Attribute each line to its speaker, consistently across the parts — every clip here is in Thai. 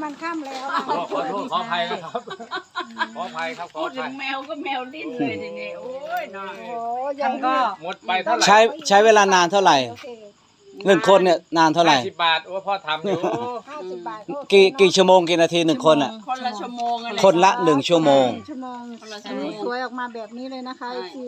Speaker 1: มันค่ำแล้ว
Speaker 2: ขอโทษขออภัยนะครับขออภัยครับขอ
Speaker 3: พู
Speaker 2: อ
Speaker 3: ดถึ
Speaker 2: ภัย
Speaker 3: งแมวก็แมวดิ้นเลยทีนี้โอ้ยน้อย
Speaker 1: โอ้ยั
Speaker 4: ท่าง นก็
Speaker 2: หมดไปเท่าไหร่
Speaker 5: ใช้เวลานานเท่าไหร่
Speaker 1: โอเค
Speaker 5: 1 คนเนี่ยนานเท่าไหร่
Speaker 2: 50 บาทโอ้พ่อทำอยู่
Speaker 1: 50 บาท
Speaker 5: กี่ชั่วโมงกี่นาที1 คนอ่ะ
Speaker 3: คนละชั่วโมงอะไร
Speaker 5: คนละ1 ชั่วโมง
Speaker 1: ชั่วโมง
Speaker 3: คนละ
Speaker 1: อั
Speaker 3: ชั่
Speaker 1: น
Speaker 3: วโม
Speaker 1: นี้
Speaker 3: ง
Speaker 1: สวยออกมาแบบนี้เลยนะคะคือ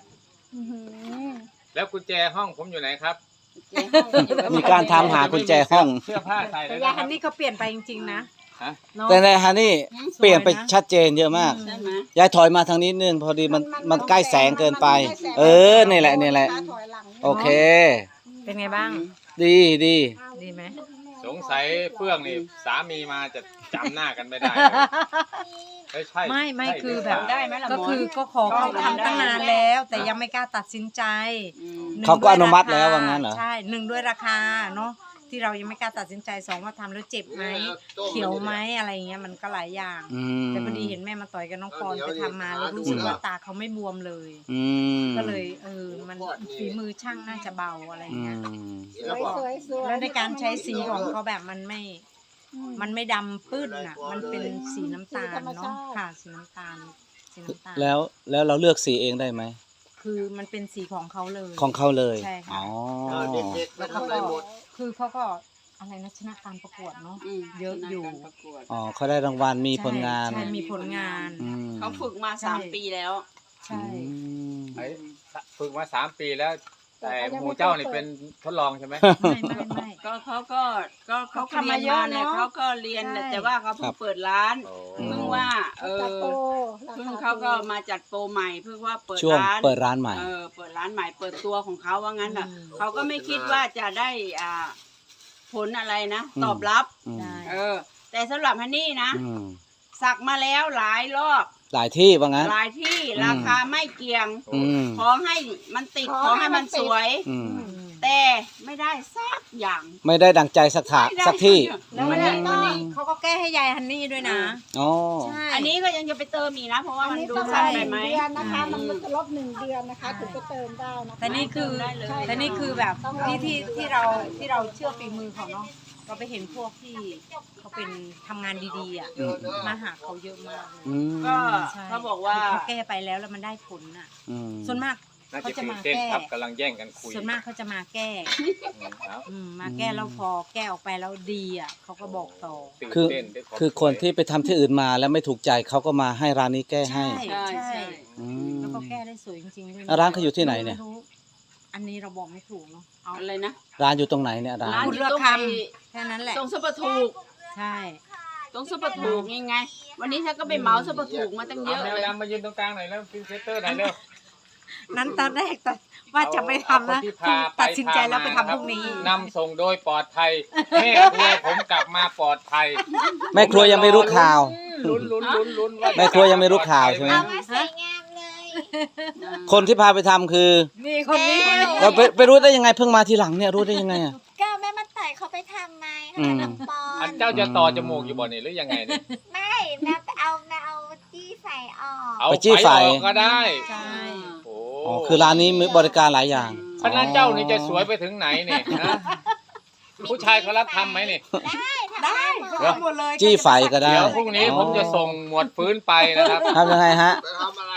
Speaker 2: แล้วกุญแจห้องผมอยู่ไหนครับ
Speaker 5: มีการทำหากุญแจห้อง
Speaker 2: เสื้อผ้าใส่เล
Speaker 4: แต่
Speaker 2: ย
Speaker 4: ยาย
Speaker 2: นะค
Speaker 4: ฮั
Speaker 2: รับ
Speaker 4: นนี่เขาเปลี่ยนไปจริงๆนะ
Speaker 2: ฮะ
Speaker 4: เนาะ
Speaker 5: แต่ในฮันนี่เปลี่ยนไปชัดเจนเยอะมาก
Speaker 3: ใช่ไหม
Speaker 5: ยายถอยมาทางนี้นึงพอดีมันใกล้แสงเกินไป นี่แหละนี่แหละ โอเค
Speaker 4: เป็นไงบ้าง
Speaker 5: ดีดี
Speaker 4: ดีไหม
Speaker 2: สงสัยเฟื่องนี่สามีมาจะจำหน้ากันไม่ได้เลยใช่
Speaker 4: ไม่คือแบบ
Speaker 3: ได้ไหมล่ะ
Speaker 4: ก็คือก็ขอเขาทำตั้งนานแล้ว แต่ยังไม่กล้าตัดสินใจ
Speaker 3: อืม
Speaker 4: หนึ่ง
Speaker 5: เขาก็อนุมัติ
Speaker 4: ด้วย
Speaker 5: แล้ว
Speaker 4: รค
Speaker 5: ว่างั้นเหรอ
Speaker 4: ใช่1ด้วยราคาเนาะที่เรายังไม่กล้าตัดสินใจ2ว่าทำแล้วเจ็บไหมเขียวไหมอะไรอย่างเงี้ยมันก็หลายอย่าง
Speaker 5: อืม
Speaker 4: แต่พอดีเห็นแม่มาต่อยกับน้องปอนไปทำมาแล้วรู้สึกว่าตาเขาไม่บวมเลย
Speaker 5: อืม
Speaker 4: ก็เลยมันฝีมือช่างน่าจะเบาอะไร
Speaker 5: อื
Speaker 4: เงี้ย
Speaker 5: ม
Speaker 4: แล้วในการใช้สีของเขาแบบมันไม่ดำปื้นอ่ะ มันเป็นสีน้ำตาลเนาะค่ะสีน้ำตาล
Speaker 5: แล้วเราเลือกสีเองได้ไหม
Speaker 4: คือมันเป็นสีของเขาเลย
Speaker 5: ของเขาเลย
Speaker 4: ใช่ค่ะ
Speaker 5: อ๋อ
Speaker 4: แล้วเขาก็คือเขาก็อะไรนะชนะการประกวดเนาะ
Speaker 3: ม
Speaker 4: เยอะอยู่
Speaker 3: การประกวด
Speaker 5: อ๋อเขาได้รางวัลมีผลงาน
Speaker 4: ใช่มีผลงาน
Speaker 5: อืม
Speaker 3: เขาฝึกมา
Speaker 4: ใช่
Speaker 3: 3 ปีแล้ว
Speaker 4: ใช่
Speaker 5: อืม
Speaker 2: ไอ้ฝึกมา3 ปีแล้ว แต่หมู่เจ้านี่เป็นทดลองใช่ไหม
Speaker 4: ไม่
Speaker 3: ก็เขาเขา
Speaker 4: ทำมาเยอะเนอะ
Speaker 3: เขาก็เรียน
Speaker 4: ใช่
Speaker 3: แต่ว่าเขาเพิ่งเปิดร้าน
Speaker 2: โอ้
Speaker 3: เพิ่งว่าเพิ่งเขาก็มาจัดโปรใหม่เพิ่งว่าเปิด
Speaker 5: ช่วง
Speaker 3: ร้าน
Speaker 5: เปิดร้านใหม่
Speaker 3: เปิดร้านใหม่เปิดตัวของเขาว่างั้นอ่ะเขาก็ไม่คิดว่าจะได้ผลอะไรนะ ตอบรับ
Speaker 5: อืม
Speaker 4: ใช่
Speaker 3: แต่สำหรับฮันนี่นะ
Speaker 5: อืม
Speaker 3: สักมาแล้วหลายรอบ
Speaker 5: หลายที่ว่างั้น
Speaker 3: หลายที่
Speaker 5: อืม
Speaker 3: ราคาไม่เกี่ยง
Speaker 5: อืม
Speaker 3: ขอให้มันติดขอให้มันสวย
Speaker 5: อืม
Speaker 3: แต่ไม่ได้สักอย่าง
Speaker 5: ไม่ได้ดังใจสักถา
Speaker 3: ไม่ได้
Speaker 5: สักที่
Speaker 4: แล้ววันนี้ก็เขาก็แก้ให้ยายฮันนี่ด้วยนะ
Speaker 5: อ๋อ
Speaker 4: ใช่
Speaker 3: อันนี้ก็ยังจะไปเติมอีกนะ เพราะว่า
Speaker 1: อัน
Speaker 3: มัน
Speaker 1: นี้
Speaker 3: ดู
Speaker 1: ต้อง
Speaker 3: สั้น
Speaker 1: 1
Speaker 3: ไปไหม
Speaker 1: เดือนนะคะ มันจะลบ1 เดือนนะคะถึงจะเติมได้นะคะ
Speaker 4: แต่นี่คือ
Speaker 3: ได้เลย
Speaker 4: แต่นี่คือแบบที่เราเชื่อฝีมือเขาเนาะเราไปเห็นพวกที่เขาเป็นทำงานดีๆอ่ะมาหาเขาเยอะมากเลย
Speaker 5: อืม
Speaker 3: ก็
Speaker 4: ใช่
Speaker 3: เขาบอกว่า
Speaker 4: เขาแก้ไปแล้วมันได้ผลอ่ะ
Speaker 5: อืม
Speaker 4: ส่วนมาก
Speaker 2: น่า
Speaker 4: เขา
Speaker 2: จะ
Speaker 4: จะ
Speaker 2: ตื่น
Speaker 4: มา
Speaker 2: เต้น
Speaker 4: แก้
Speaker 2: ครับกำลังแย่งกันคุย
Speaker 4: ส่วนมากเขาจะมาแก้
Speaker 2: เอา
Speaker 4: มาแก้แล้วพอแก้ออกไปแล้วดีอ่ะเขาก็บอกต่อ
Speaker 2: ตื่น
Speaker 5: คือ
Speaker 2: เต้นด้วยวาม
Speaker 5: คือคนที่ไปทำที่อื่นมาแล้วไม่ถูกใจเขาก็มาให้ร้านนี้แก้ให้
Speaker 4: ใช่
Speaker 3: ใช่
Speaker 4: ใช่
Speaker 3: ใช่
Speaker 5: อืม
Speaker 4: แล้วก็แก้ได้สวยจริงๆด้วย
Speaker 5: ร้านเขาอยู่ที่ไหนเนี่ย
Speaker 4: ม่รู้อันนี้เราบอกไม่ถูกเนาะเอา
Speaker 3: อะไรนะ
Speaker 5: ร้านอยู่ตรงไหนเนี่ยร้าน
Speaker 3: ร้าน
Speaker 4: คุณ
Speaker 3: อยู่
Speaker 4: เลือก
Speaker 3: ตรง
Speaker 4: ค
Speaker 3: ไอ้
Speaker 4: ำแค่นั้นแหละ
Speaker 3: ตรงซุปเปอร์ถูก
Speaker 4: ใช่
Speaker 3: ตรงซุปเปอร์ถูกยังไง วันนี้ฉันก็ไปเหมาซุปเปอร์ถูกมาตั้งเยอะ
Speaker 2: แมว
Speaker 3: เลย
Speaker 2: ดำมายืนตรงกลางหน่อยแล้วพินเซเตอร์หน่อยเร็ว
Speaker 4: นั้นตอนแรกว่าจะไม่ทำนะ
Speaker 2: เอาคนที่พาไป
Speaker 4: ตัดสินใจแล้วไป
Speaker 2: พามา
Speaker 4: ทำพรุ่งนี้
Speaker 2: นำส่งโดยปลอดภัยแม่ครัวผมกลับมาปลอดภัย
Speaker 5: แม่ครัวยังไม่รู้ข่าว
Speaker 2: ลุ้นว่า
Speaker 5: แม่ครัวยังไม่รู้ข่าวใช่ไหม
Speaker 1: เอามาสวยงามเลย
Speaker 5: คนที่พาไปทำคือ
Speaker 4: นี่คนนี้
Speaker 5: เราไปรู้ได้ยังไงเพิ่งมาทีหลังเนี่ยรู้ได้ยังไงอ่ะ
Speaker 1: ก็แม่มาต่อยเขาไปทำไม
Speaker 5: อืม
Speaker 1: น้องปอ
Speaker 2: อั
Speaker 1: น
Speaker 2: นเจ้าจะต่อจมูกอยู่บ่นี่หรือยังไงเนี่ย
Speaker 1: ไม่แม่เอาจี้ใส่ออก
Speaker 2: เอา
Speaker 5: ไปจี้ไฟ
Speaker 2: ออกก็ได้
Speaker 4: ใช่
Speaker 2: โอ้
Speaker 5: อ๋อคือร้านนี้มีบริการหลายอย่าง
Speaker 2: พนักเจ้านี่จะสวยไปถึงไหนเนี่ยนะผู้ชายเขารับทำไหมนี่
Speaker 4: ได้เขาทำหมดเลย
Speaker 5: จี้ไฟก็ได้
Speaker 2: เดี๋ยวพรุ่งนี้ผมจะส่งหมวดฟื้นไปนะครับ
Speaker 5: ทำยังไงฮะ
Speaker 6: ไปทำอะไร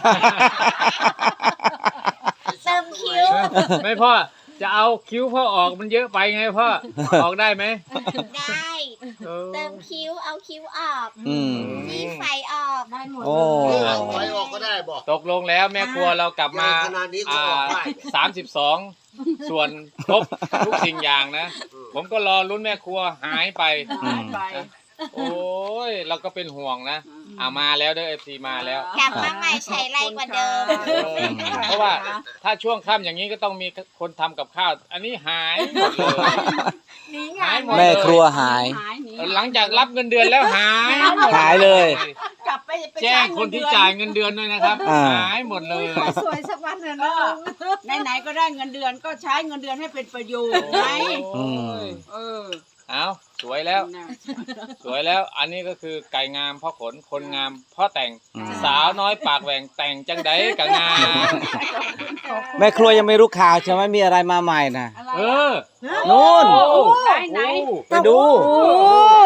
Speaker 1: เติมคิ้ว
Speaker 2: ไม่พ่อจะเอาคิ้วพ่อออกมันเยอะไปไงพ่อออกได้ไหม
Speaker 1: ได้
Speaker 2: เออ
Speaker 1: เติมคิ้วเอาคิ้วออก
Speaker 5: อืม
Speaker 1: จี้ไฟออกได้หมด
Speaker 5: โอ้
Speaker 6: เอาไฟออกก็ได้บอก
Speaker 2: ตกลงแล้วแม่ครัวเรากลับมา
Speaker 6: ขนาดนี้ก็ออกได้
Speaker 2: 32 ส่วนครบทุกสิ่งอย่างนะ ผมก็รอลุ้นแม่ครัวหายไป
Speaker 3: หายไป
Speaker 2: โอ้ยเราก็เป็นห่วงนะมาแล้วเด้อ FC มาแล้ว
Speaker 1: กลับมาใหม่ใช้ไรกว่าเดิม
Speaker 2: เพราะว่าถ้าช่วงค่ำอย่างนี้ก็ต้องมีคนทำกับข้าว อันนี้หายหมดเลย
Speaker 4: นี่ไง
Speaker 2: หายหมด
Speaker 5: แม่ครัวหาย
Speaker 3: หนี
Speaker 2: หลังจากรับเงินเดือนแล้วหายหมด
Speaker 5: หายเลย
Speaker 3: กลับไป
Speaker 2: แจ้งคนที่จ่ายเงินเดือนด้วยนะครับ
Speaker 5: อ่า
Speaker 2: หายหมดเลย
Speaker 4: สวยสักวันเถอะ
Speaker 3: ก็
Speaker 4: นะ
Speaker 3: ไหนๆก็ได้เงินเดือนก็ใช้เงินเดือนให้เป็นประโยชน์ไหม
Speaker 5: อืม
Speaker 3: เออ
Speaker 2: เอาสวยแล้ว
Speaker 3: นะ
Speaker 2: สวยแล้ว อันนี้ก็คือไก่งามเพ่อขน คนงามเพ่อแต่ง
Speaker 5: อืม
Speaker 2: สาวน้อยปากแหว่งแต่งจังไดกับงาม
Speaker 5: แม่ครัวยังไม่รู้ข่าวใช่ไหมมีอะไรมาใหม่นะ
Speaker 3: อะไร
Speaker 2: เออ
Speaker 5: นู่น
Speaker 3: ไหนไหน
Speaker 5: ไปดู
Speaker 4: โอ้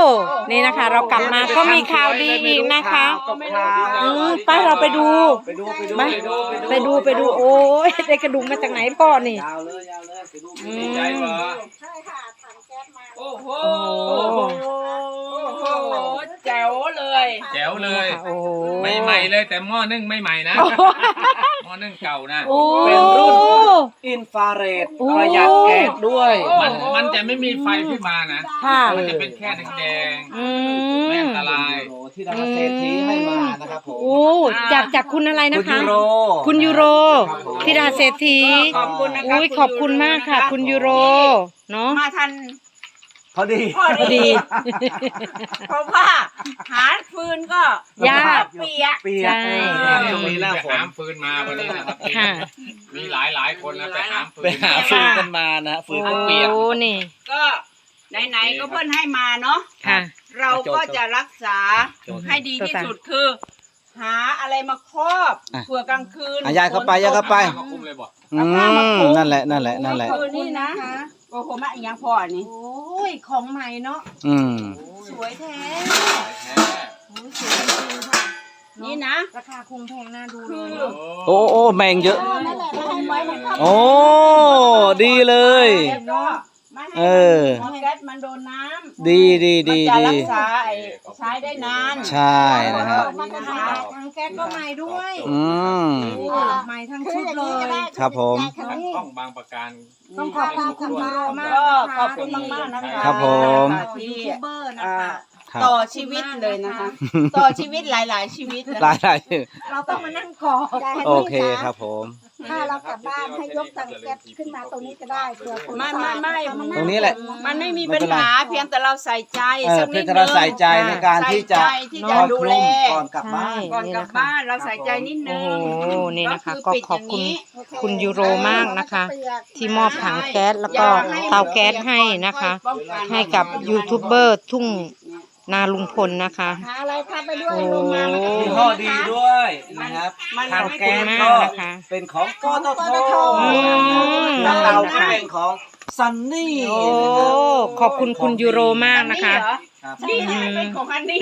Speaker 4: นี่นะคะ เรากลับมาก็มีข่าวดีอีกนะคะ ไปเราไปดู
Speaker 5: ไปดู
Speaker 4: ไปดูโอ้ยได้กระดูกมาจากไหนพ่อนี่
Speaker 5: ยาวเลยไปดู
Speaker 4: อื
Speaker 2: ดีใจ
Speaker 4: ม
Speaker 2: เหรอ
Speaker 1: ใช่ค่ะถังแก๊สมา
Speaker 3: โอ้โห
Speaker 4: โอ้โห
Speaker 3: แจ๋วเลย
Speaker 2: แจ๋วเลย
Speaker 4: โอ้โห
Speaker 2: ไม่ใหม่เลยแต่หม้อนึ่งไม่ใหม่นะหม้อนึ่งเก่านะ
Speaker 4: โอ้
Speaker 5: เป็นรุ่นอินฟราเรดประหยัดแก๊สด้วย
Speaker 2: มันจะไม่มีไฟขึ้นมานะ
Speaker 4: ค่ะ
Speaker 2: มันจะเป็นแค่แดง
Speaker 4: อื
Speaker 2: ๆไม่
Speaker 4: ม
Speaker 2: อันตราย
Speaker 5: ที่ดาราเศรษฐีให้มานะครับผม
Speaker 4: โอ้จากคุณอะไร
Speaker 5: คุ
Speaker 4: นะ
Speaker 5: ณ
Speaker 4: คะ
Speaker 5: ยูโร
Speaker 4: คุณยูโร
Speaker 5: ครับผม
Speaker 4: ธิดาเศรษฐี
Speaker 3: ขอบคุณนะคะ
Speaker 4: อุ้ยขอบคุณมากค่ะ คุณยูโรเนาะ
Speaker 3: มาทัน
Speaker 5: พอดี
Speaker 3: พอ
Speaker 4: พอดี
Speaker 3: เพราะว่าหาฟืนก็
Speaker 4: ยาก
Speaker 3: เปียก
Speaker 5: เปียก
Speaker 4: ใช่
Speaker 5: ช่วงนี้หน้าฝ
Speaker 2: ไป
Speaker 5: น
Speaker 2: หามฟืนมาวันนี้นะครับ
Speaker 4: ค่ะ
Speaker 2: มีหลายคนนะไปหามฟืน
Speaker 5: ไปหาฟืนกันมานะฟืนก็เปียก
Speaker 4: โอ้นี่
Speaker 3: ก็ไหนๆก็เพิ่นให้มาเนาะ
Speaker 4: ค่ะ
Speaker 3: เราก็จะรักษาให้ดีที่สุดคือ หาอะไรมาครอบ
Speaker 5: อ่ะ
Speaker 3: เผื่อกลางคืน
Speaker 5: อ่ะยายเข้าไปยายเข้าไป
Speaker 2: มาคุมเลยบอก
Speaker 5: อืมนั่นแหละ
Speaker 3: คืนนี้นะโอ้โหมาอีกอย่างพออันนี้
Speaker 4: โอ้ยของใหม่เนาะ
Speaker 5: อืม
Speaker 4: สวยแท้
Speaker 2: แท้
Speaker 4: โอ้ยสวยจริงๆค่ะ
Speaker 3: นี่นะ
Speaker 4: ราคาคงแพงน่าดู
Speaker 3: คื
Speaker 4: เล
Speaker 3: อ
Speaker 4: ย
Speaker 5: โอ้แมงเยอะ
Speaker 1: นั่นแหละไม่ให้ไว้มันเข้า
Speaker 5: โอ้ดีเลย
Speaker 3: แล้วก็ไม่ให้
Speaker 5: เออ
Speaker 3: มันแก๊สมันโดนน้ำ
Speaker 5: ดีดี
Speaker 3: มัน
Speaker 5: ดี
Speaker 3: จะ
Speaker 5: ดี
Speaker 3: รักษาใช้ได้นาน
Speaker 5: ใช่นะครับ
Speaker 3: นี่นะคะ
Speaker 4: ทางแก๊สก็ใหม่ด้วย
Speaker 5: อืม
Speaker 4: โอ้ใหม่ทั้ง
Speaker 1: คือ
Speaker 4: ชุด
Speaker 1: อย่าง
Speaker 4: เล
Speaker 1: นี้ก็
Speaker 4: ย
Speaker 1: ได้
Speaker 5: ครับผม
Speaker 1: คันนี้
Speaker 2: ต้องบางประการ
Speaker 4: ต้องขอบคุณคุณยูโรมาก
Speaker 3: ก็
Speaker 4: นะคะ
Speaker 3: ขอบคุณมากๆนะคะ
Speaker 5: ครับผม
Speaker 3: ที่
Speaker 4: ยูทูบเบอร์นะ
Speaker 3: อ่า
Speaker 4: คะ
Speaker 5: ครับ
Speaker 3: ต่อชีวิตเลยนะคะ ต่อชีวิตหลาย ๆ ชีวิตนะ
Speaker 5: หลายหลาย
Speaker 4: เราต้องมานั่งกอด
Speaker 1: ยายให้
Speaker 5: โอ
Speaker 1: พี่
Speaker 5: เค
Speaker 1: จ๋า
Speaker 5: ครับผม
Speaker 1: ถ้าเรากลับบ้านให้ยกถังแก๊สขึ้นมาตรงนี้ก็ได้เผื่อคน
Speaker 3: ไม่
Speaker 5: ตรงนี้แหละ
Speaker 3: มันไม่มีปัญหาเพียงแต่เราใส่ใจ สัก
Speaker 5: เพื่
Speaker 3: นิ
Speaker 5: อ
Speaker 3: ด
Speaker 5: จะ
Speaker 3: นึ
Speaker 5: เรา
Speaker 3: ง
Speaker 5: ใส่ใจในการที่จะ
Speaker 3: ใส่ใจที่จะดูแล
Speaker 5: ก่อนกลับบ้าน
Speaker 3: ก่อนกลับบ้านเราใส่ใจนิดนึ
Speaker 4: โอ้
Speaker 3: ง
Speaker 4: โหนี่นะคะ
Speaker 3: ก็
Speaker 4: ก็
Speaker 3: คือปิด
Speaker 4: ขอบคุณ
Speaker 3: อย่างนี้
Speaker 4: คุณยูโรมากนะคะ ที่มอบถังแก๊สแล้วก็เตาแก๊สให้นะคะ ให้กับยูทูบเบอร์ทุ่งนาลุงพลนะคะ
Speaker 1: หาอะไรพาไปด้วย
Speaker 4: โอ้
Speaker 1: ลงมา
Speaker 5: ยี่ห้อดีด้วยนะครับ
Speaker 3: มัน
Speaker 5: ทาง
Speaker 3: ไม่
Speaker 5: แก๊ส
Speaker 4: ขอบคุณมาก
Speaker 5: ก็
Speaker 4: นะคะ
Speaker 5: เป็นของกตท
Speaker 4: อืม
Speaker 5: แล้วเตาก็เป็นของซันนี่
Speaker 4: โอ้ขอบคุณคุณยูโรมากนะคะ
Speaker 5: ครับ
Speaker 3: นี่เหรอนี่เป็นของอันนี้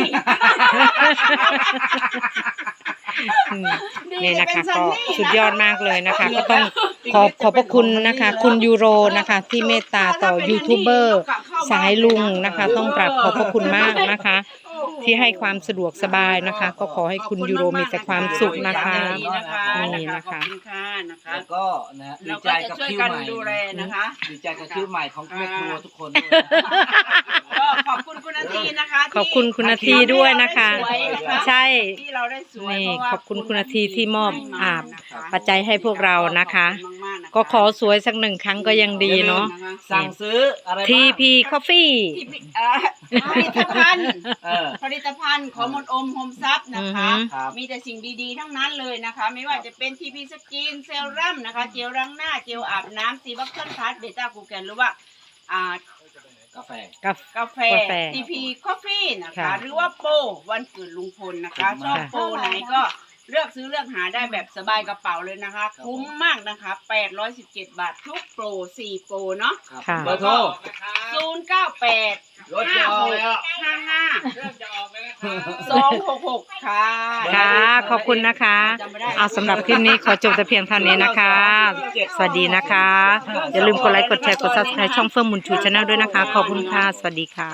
Speaker 4: อืมนี่นะคะก็สุดยอดมากเลยนะคะ ก็ต้องขอบพระคุณนะคะ คุณยูโรนะคะ ที่เมตตาต่อยูทูบเบอร์สายลุงนะคะ ต้องกราบขอบพระคุณมากนะคะ ที่ให้ความสะดวกสบายนะคะ ก็ขอให้คุณยูโรมีแต่ความสุขนะคะ นี่นะคะ
Speaker 3: ขอบคุณค่ะนะคะ
Speaker 5: แล้วก็นะฮะดี
Speaker 3: เรา
Speaker 5: ใจ
Speaker 3: ก็จะ
Speaker 5: กับ
Speaker 3: ช่วย
Speaker 5: คิว
Speaker 3: กัน
Speaker 5: ใหม่
Speaker 3: ดูแลนะคะ
Speaker 5: ดีใจกับคิวใหม่ของแม่ครัวทุกคนด้วย
Speaker 3: ก็ขอบคุณคุณนาทีนะคะ
Speaker 4: ขอบคุณคุณนาทีด้วยนะคะ ใช่
Speaker 3: ที่เราได้สวย
Speaker 4: นี่
Speaker 3: เพราะว่า
Speaker 4: ขอบคุณคุณนาทีที่มอบ
Speaker 3: ให้มา
Speaker 4: อาบ
Speaker 3: นะคะ
Speaker 4: ปัจจัยให้พวกเรานะคะ
Speaker 3: ขอบณมากๆนะคะ
Speaker 4: ก็ขอสวยสักหนึ่งครั้งก็ยังดีเนาะ
Speaker 5: สั่งซื้ออะไรบ้าง
Speaker 4: TP Coffee
Speaker 3: ที่ผลิตภัณฑ์
Speaker 5: เออ
Speaker 3: ผลิตภัณฑ์ของมนต์อมโฮมซับนะคะ
Speaker 4: อือฮึ
Speaker 5: ครับ
Speaker 3: มีแต่สิ่งดีๆทั้งนั้นเลยนะคะ ไม่ว่าจะเป็นทีพีสกินเซรั่มนะคะ เจลล้างหน้า เจลอาบน้ำซีบัคเกิลพาร์ทเบต้ากูแกนหรือว่าอ่า
Speaker 5: กาแฟ
Speaker 4: กับ
Speaker 3: กาแฟ
Speaker 4: กาแฟ
Speaker 3: ทีพีคอฟฟี่นะคะ
Speaker 4: ค่ะ
Speaker 3: หรือว่าโปรวันเกิดลุงพลนะคะ ชอบโปรไหนก็เลือกซื้อเลือกหาได้แบบสบายกระเป๋าเลยนะคะ คุ้มมากนะคะ 817 บาททุกโปร 4 โปรเนาะ
Speaker 4: ค่ะ
Speaker 5: เบอร์โทร
Speaker 3: 098
Speaker 5: รถจะออกแล้ว
Speaker 3: 55
Speaker 2: เริ่มจะออกเลยนะครับ
Speaker 3: 266 ค่ะ
Speaker 4: ค่ะ ขอบคุณนะคะ เอาสำหรับคลิปนี้ขอจบแต่เพียงเท่านี้นะคะ สวัสดีนะคะ อย่าลืมกดไลค์ กดแชร์ กด subscribe ช่องเฟื่องบุญชูชาแนลด้วยนะคะ ขอบคุณค่ะ สวัสดีค่ะ